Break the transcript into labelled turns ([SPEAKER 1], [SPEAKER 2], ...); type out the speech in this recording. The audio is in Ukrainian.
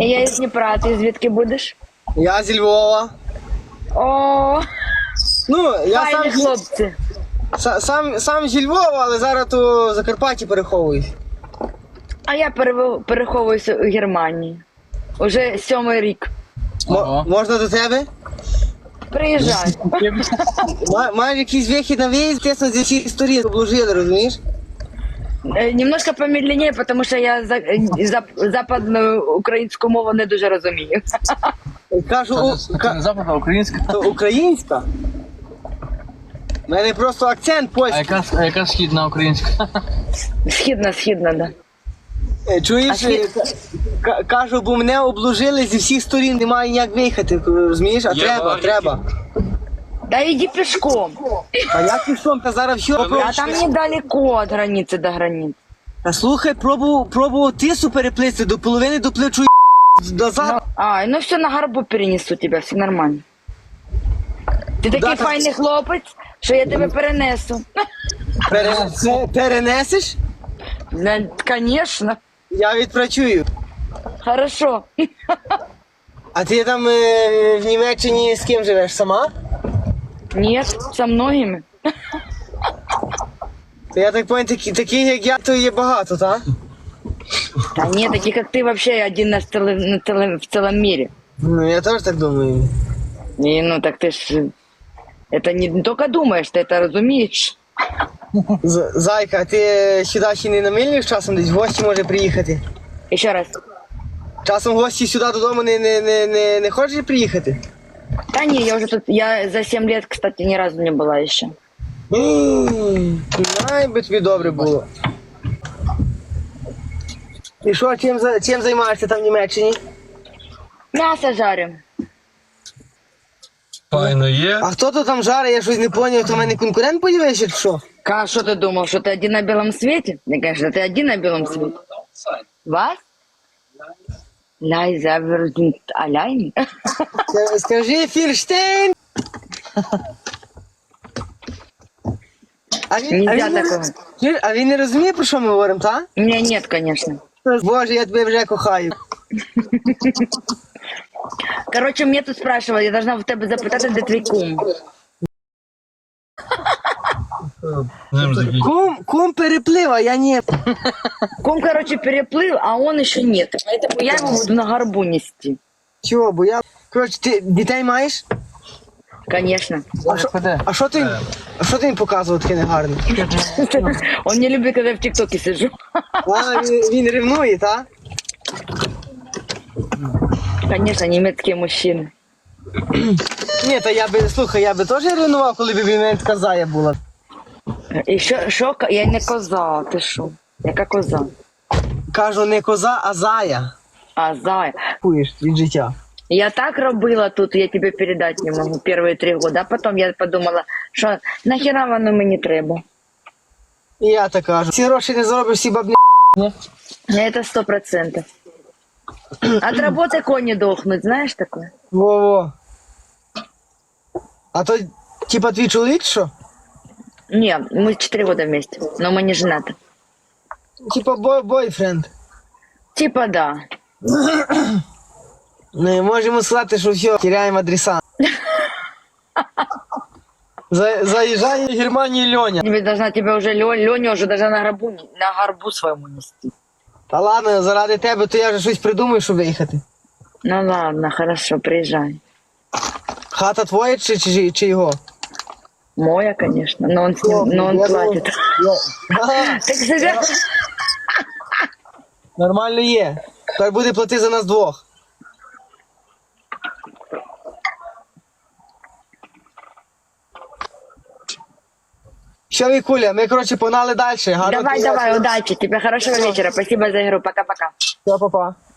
[SPEAKER 1] Я із Дніпра, ти звідки будеш?
[SPEAKER 2] Я зі Львова.
[SPEAKER 1] О,
[SPEAKER 2] Ну, я
[SPEAKER 1] файні хлопці.
[SPEAKER 2] сам зі Львова, але зараз то в Закарпатті переховуюсь.
[SPEAKER 1] А я переховуюся у Германії. Уже 7-й рік.
[SPEAKER 2] Можна до тебе?
[SPEAKER 1] Приїжджай.
[SPEAKER 2] Маєш якийсь вихід на виїзд, тісно зі всіх сторін обложили, розумієш?
[SPEAKER 1] Немножко помедленнее, потому що я западну українську мову не дуже розумію.
[SPEAKER 2] Кажу,
[SPEAKER 3] Це не западна, а українська.
[SPEAKER 2] то українська? У мене просто акцент
[SPEAKER 3] А
[SPEAKER 2] польський.
[SPEAKER 3] яка східна українська?
[SPEAKER 1] Східна, да.
[SPEAKER 2] Чуєш, кажу, бо мене обложили зі всіх сторін, немає ніяк виїхати, розумієш? А треба.
[SPEAKER 1] Да иди пешком.
[SPEAKER 2] А як пішов, та зараз все
[SPEAKER 1] А там недалеко от границы до границ.
[SPEAKER 2] Та слухай, пробував тису переплисти, до половини доплечу назад.
[SPEAKER 1] Ну все, на горбу перенесу тебя, все нормально. Ти такий
[SPEAKER 2] там?
[SPEAKER 1] файний хлопець, що я тебе перенесу.
[SPEAKER 2] Перенесеш?
[SPEAKER 1] Конечно.
[SPEAKER 2] Я відпрацюю.
[SPEAKER 1] Хорошо.
[SPEAKER 2] А ти там в Німеччині з ким живеш? Сама?
[SPEAKER 1] Нет, со многими.
[SPEAKER 2] То я так понял, таких як я, то є багато, так?
[SPEAKER 1] Да нет, таких как ты вообще один в целом мире.
[SPEAKER 2] Ну, я теж так думаю.
[SPEAKER 1] И ну так ты ж это не только думаешь, ты это разумеешь.
[SPEAKER 2] Зайка, а ти сюди ще не намилюєш часом десь в гості може приїхати?
[SPEAKER 1] Еще раз.
[SPEAKER 2] Часом гості сюди додому не хочеш приїхати?
[SPEAKER 1] Да не, я уже тут, я за 7 лет, кстати, ни разу не была еще.
[SPEAKER 2] Най би тобі добре було. І що, чим займаєшся там в Німеччині?
[SPEAKER 1] Мясо жарим.
[SPEAKER 3] Файно є.
[SPEAKER 2] А хто то там жарить, я щось не зрозумів, то в мене конкурент появився чи що?
[SPEAKER 1] Что ты думал, что ты один на белом свете? Да, конечно, ты один на белом свете. Was? Leise sind allein.
[SPEAKER 2] Скажи, Фірштейн!
[SPEAKER 1] Нельзя такого.
[SPEAKER 2] А він не розуміє, про що ми говоримо, так?
[SPEAKER 1] У меня нет, конечно.
[SPEAKER 2] Боже, я тебе вже кохаю.
[SPEAKER 1] Короче, мне тут спрашивали, я должна в тебе запитати, де твій кум.
[SPEAKER 2] Кум переплив, а я ні.
[SPEAKER 1] Кум, короче, переплыл, а он еще нет. Поэтому я его буду на горбу нести.
[SPEAKER 2] Чого, бо я... Коротше, ти дітей маєш?
[SPEAKER 1] Конечно.
[SPEAKER 2] А що ти їм показував таке негарне?
[SPEAKER 1] Он не любит, когда я в ТикТоке сижу.
[SPEAKER 2] А, він ревнує, так?
[SPEAKER 1] Конечно, немецкие мужчины.
[SPEAKER 2] Ні, та слухай, я би теж ревнував, коли б мене така зая була.
[SPEAKER 1] І що? Я не коза, ти що? Яка коза?
[SPEAKER 2] Кажу, не коза, а зая.
[SPEAKER 1] А, зая.
[SPEAKER 2] Куєш від життя.
[SPEAKER 1] Я так робила тут, я тебе передать не могу, первые 3 года. А потом я подумала, що нахера воно мені треба.
[SPEAKER 2] І я так кажу. Ці гроші не заробиш, всі бабні.
[SPEAKER 1] Это 100%. От работы кони дохнуть, знаешь такое?
[SPEAKER 2] Во-во. А то, типа, твій чоловік, що?
[SPEAKER 1] Не, мы 4 года вместе, но мы не женаты.
[SPEAKER 2] Типа, бойфренд.
[SPEAKER 1] Типа да.
[SPEAKER 2] Не можемо сказати, що все, теряємо адреса. Заїжджає в Германію Льоня.
[SPEAKER 1] Тебе должна тебя уже Леня уже даже на горбу своему нести.
[SPEAKER 2] Та ладно, заради тебе, то я вже щось придумаю, щоб виїхати.
[SPEAKER 1] Ну ладно, хорошо, приезжай.
[SPEAKER 2] Хата твоя чи його?
[SPEAKER 1] Моя, конечно, но он платит. Так живя.
[SPEAKER 2] Нормально є. Так буде плати за нас двох. Все, Вікуля, ми, коротше, погнали далі.
[SPEAKER 1] Давай, удачи, тебе хорошего вечера, спасибо за игру, пока-пока.
[SPEAKER 2] Все, па-па.